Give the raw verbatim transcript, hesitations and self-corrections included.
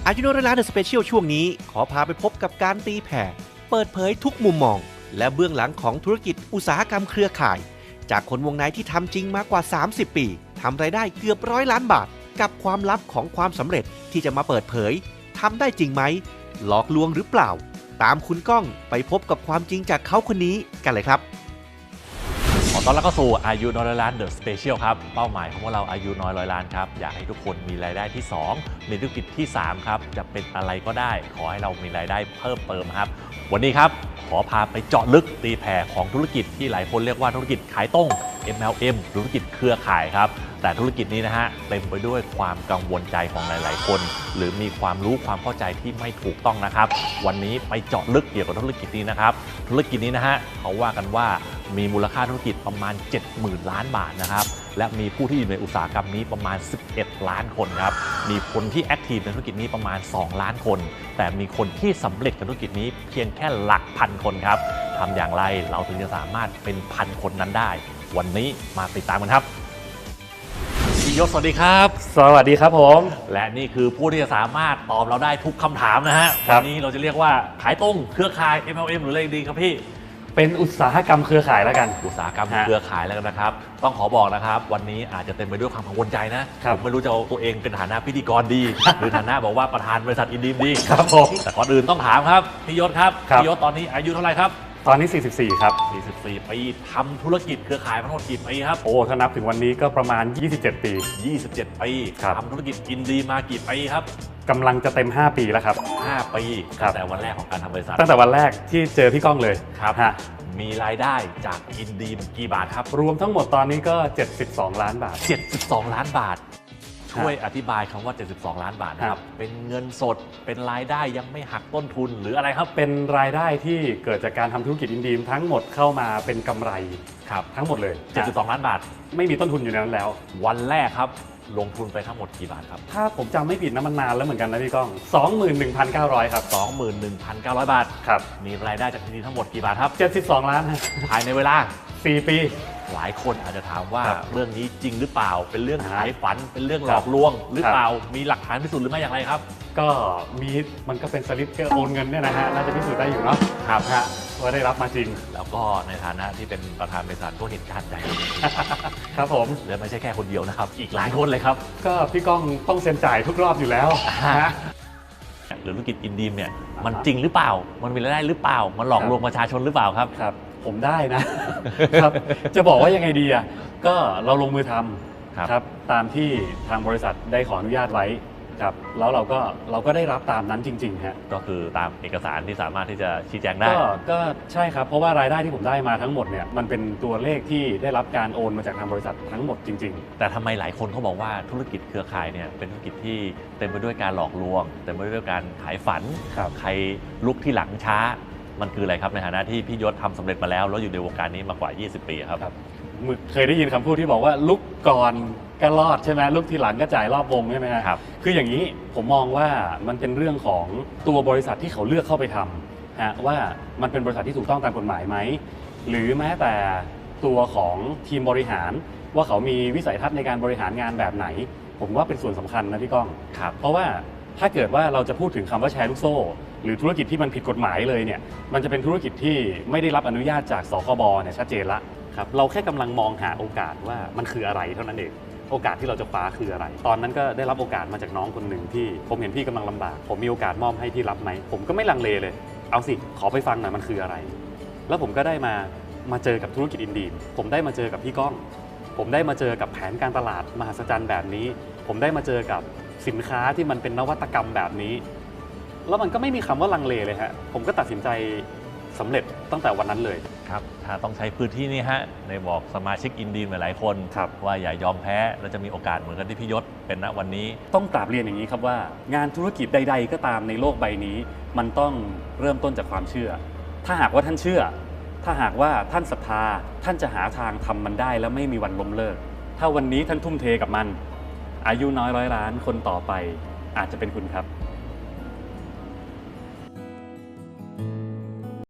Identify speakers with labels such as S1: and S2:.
S1: อายุน้อยล้านเดอะสเปเชียลช่วงนี้ขอพาไปพบกับการตีแผ่เปิดเผยทุกมุมมองและเบื้องหลังของธุรกิจอุตสาหกรรมเครือข่ายจากคนวงในที่ทำจริงมากกว่าสามสิบปีทำรายได้เกือบร้อยล้านบาทกับความลับของความสำเร็จที่จะมาเปิดเผยทำได้จริงไหมหลอกลวงหรือเปล่าตามคุณก้องไปพบกับความจริงจากเขาคนนี้กันเลยครับ
S2: ขอต้อนรับเข้าสู่อายุน้อยร้อยล้านเดอะสเปเชียลครับเป้าหมายของพวกเราอายุน้อยร้อยล้านครับอยากให้ทุกคนมีรายได้ที่สองในธุรกิจที่สามครับจะเป็นอะไรก็ได้ขอให้เรามีรายได้เพิ่มเติมครับวันนี้ครับขอพาไปเจาะลึกตีแผ่ของธุรกิจที่หลายคนเรียกว่าธุรกิจขายตรง เอ็ม แอล เอ็ม ธุรกิจเครือข่ายครับแต่ธุรกิจนี้นะฮะเต็มไปด้วยความกังวลใจของหลายๆคนหรือมีความรู้ความเข้าใจที่ไม่ถูกต้องนะครับวันนี้ไปเจาะลึกเกี่ยวกับธุรกิจนี้นะครับธุรกิจนี้นะฮะเขาว่ากันว่ามีมูลค่าธุรกิจประมาณ เจ็ดหมื่น ล้านบาทนะครับและมีผู้ที่อยู่ในอุตสาหกรรมนี้ประมาณสิบเอ็ดล้านคนครับมีคนที่แอคทีฟในธุรกิจนี้ประมาณสองล้านคนแต่มีคนที่สำเร็จกับธุรกิจนี้เพียงแค่หลักพันคนครับทำอย่างไรเราถึงจะสามารถเป็นพันคนนั้นได้วันนี้มาติดตามกันครับพี่ยศสวัสดีครับ
S3: สวัสดีครับผม
S2: และนี่คือผู้ที่จะสามารถตอบเราได้ทุกคำถามนะฮะวันนี้เราจะเรียกว่าขายตรงเครือข่าย เอ็ม แอล เอ็ม หรืออะไรดีครับพี่
S3: เป็นอุตสาหกรรมเครือข่ายแล้วกัน
S2: อุตสาหกรรมเครือข่ายแล้วกันนะครับต้องขอบอกนะครับวันนี้อาจจะเต็มไปด้วยความกังวลใจนะผมไม่รู้จะเอาตัวเองเป็นฐานะพิธีกรดี หรือฐานะบอกว่าประธานบริษัทอินดีมดี
S3: ครับผม
S2: แต่ก่อนอื่นต้องถามครับพี่ยศครับพี่ยศตอนนี้อายุเท่าไหร่ครับ
S3: ตอนนี้สี่สิบสี่ครับ
S2: สี่สิบสี่ปีทำธุรกิจเครือข่ายมาทั้งหมดกี่ปีครับ
S3: โอ้ถ้านับถึงวันนี้ก็ประมาณยี่สิบเจ็ดปี
S2: ยี่สิบเจ็ดปีทำธุรกิจอินดีมากี่ปีครับ
S3: กำลังจะเต็มห้าปีแล้วครับ
S2: ห้าปีตั้งแต่วันแรกของการทำบริษัท
S3: ตั้งแต่วันแรกที่เจอพี่ก้องเลย
S2: ครับมีรายได้จากอินดีมกี่บาทครับ
S3: รวมทั้งหมดตอนนี้ก็เจ็ดสิบสองล้านบาท
S2: เจ็ดสิบสองล้านบาทช่วยอธิบายคำว่าเจ็ดสิบสองล้านบาทนะครับเป็นเงินสดเป็นรายได้ยังไม่หักต้นทุนหรืออะไรครับ
S3: เป็นรายได้ที่เกิดจากการทำธุรกิจอินดีมทั้งหมดเข้ามาเป็นกำไร
S2: ครับ
S3: ทั้งหมดเลย
S2: เจ็ดสิบสองล้านบาท
S3: ไม่มีต้นทุนอยู่ในนั้นแล้ว
S2: วันแรกครับลงทุนไปทั้งหมดกี่บาทครับ
S3: ถ้าผมจำไม่ผิดนะมันนานแล้วเหมือนกันนะพี่ก้อง สองหมื่นหนึ่งพันเก้าร้อย ครับ
S2: สองหมื่นหนึ่งพันเก้าร้อย บาท
S3: ครับ
S2: มีรายได้จากที่นี้ทั้งหมดกี่บาทครับ
S3: เจ็ดสิบสองล้าน
S2: ภายในเวลา
S3: สี่ปี
S2: หลายคนอาจจะถามว่าเรื่องนี้จริงหรือเปล่าเป็นเรื่องขายฝันเป็นเรื่องหลอกลวงหรือเปล่ามีหลักฐานพิสูจน์หรือไม่อย่างไรครับ
S3: ก็มีมันก็เป็นสลิปโอนเงินเนี่ยนะฮะน่าจะพิสูจน์ได้อยู่เนาะ
S2: ครับ
S3: ฮะว่าได้รับมาจริง
S2: แล้วก็ในฐานะที่เป็นประธานบริษัทก็เห็นการใจ
S3: ครับผม
S2: และไม่ใช่แค่คนเดียวนะครับอีกหลายคนเลยครับ
S3: ก็พี่ก้องต้องเซ็นจ่ายทุกรอบอยู่แล้วนะ
S2: หรือธุรกิจอินดีมเนี่ยมันจริงหรือเปล่ามันมีรายได้หรือเปล่ามันหลอกลวงประชาชนหรือเปล่าครับ
S3: ครับผมได้นะครับจะบอกว่ายังไงดีอ่ะก็เราลงมือทำครับตามที่ทางบริษัทได้ขออนุญาตไว้ครับแล้วเราก็เราก็ได้รับตามนั้นจริงๆฮะ
S2: ก็คือตามเอกสารที่สามารถที่จะชี้แจงได้
S3: ก็ก็ใช่ครับเพราะว่ารายได้ที่ผมได้มาทั้งหมดเนี่ยมันเป็นตัวเลขที่ได้รับการโอนมาจากทางบริษัททั้งหมดจริงๆ
S2: แต่ทำไมหลายคนเขาบอกว่าธุรกิจเครือข่ายเนี่ยเป็นธุรกิจที่เต็มไปด้วยการหลอกลวงเต็มไปด้วยการขายฝันใครลุกที่หลังช้ามันคืออะไรครับในฐานะที่พี่ยศทำสำเร็จมาแล้วแล้วอยู่ในวงการนี้มากว่ายี่สิบปีครับ
S3: เคยได้ยินคำพูดที่บอกว่าลุกก่อนก็รอดใช่ไหมลุกทีหลังก็จ่ายรอบวงใช่ไหม
S2: ครับ
S3: คืออย่างนี้ผมมองว่ามันเป็นเรื่องของตัวบริษัทที่เขาเลือกเข้าไปทำฮะว่ามันเป็นบริษัทที่ถูกต้องตามกฎหมายไหมหรือแม้แต่ตัวของทีมบริหารว่าเขามีวิสัยทัศน์ในการบริหารงานแบบไหนผมว่าเป็นส่วนสำคัญนะพี่ก้องเพราะว่าถ้าเกิดว่าเราจะพูดถึงคำว่าแชร์ลูกโซ่หรือธุรกิจที่มันผิดกฎหมายเลยเนี่ยมันจะเป็นธุรกิจที่ไม่ได้รับอนุญาตจากสคบเนี่ยชัดเจนละครับเราแค่กำลังมองหาโอกาสว่ามันคืออะไรเท่านั้นเองโอกาสที่เราจะคว้าคืออะไรตอนนั้นก็ได้รับโอกาสมาจากน้องคนหนึ่งที่ผมเห็นพี่กำลังลำบากผมมีโอกาสมอบให้พี่รับไหมผมก็ไม่ลังเลเลยเอาสิขอไปฟังหน่อยมันคืออะไรแล้วผมก็ได้มามาเจอกับธุรกิจอินดีมผมได้มาเจอกับพี่ก้องผมได้มาเจอกับแผนการตลาดมหัศจรรย์แบบนี้ผมได้มาเจอกับสินค้าที่มันเป็นนวัตกรรมแบบนี้แล้วมันก็ไม่มีคำว่าลังเลเลยฮะผมก็ตัดสินใจสำเร็จตั้งแต่วันนั้นเลย
S2: ครับถ้าต้องใช้พื้นที่นี้ฮะในบอกสมาชิกอินดีมหลายๆคนว่าอย่ายอมแพ้และจะมีโอกาสเหมือนกันที่พี่ยศเป็นณวันนี้
S3: ต้องกราบเรียนอย่างนี้ครับว่างานธุรกิจใดๆก็ตามในโลกใบนี้มันต้องเริ่มต้นจากความเชื่อถ้าหากว่าท่านเชื่อถ้าหากว่าท่านศรัทธาท่านจะหาทางทำมันได้แล้วไม่มีวันล้มเลิกถ้าวันนี้ท่านทุ่มเทกับมันอายุน้อยร้อยล้านคนต่อไปอาจจะเป็นคุณครับ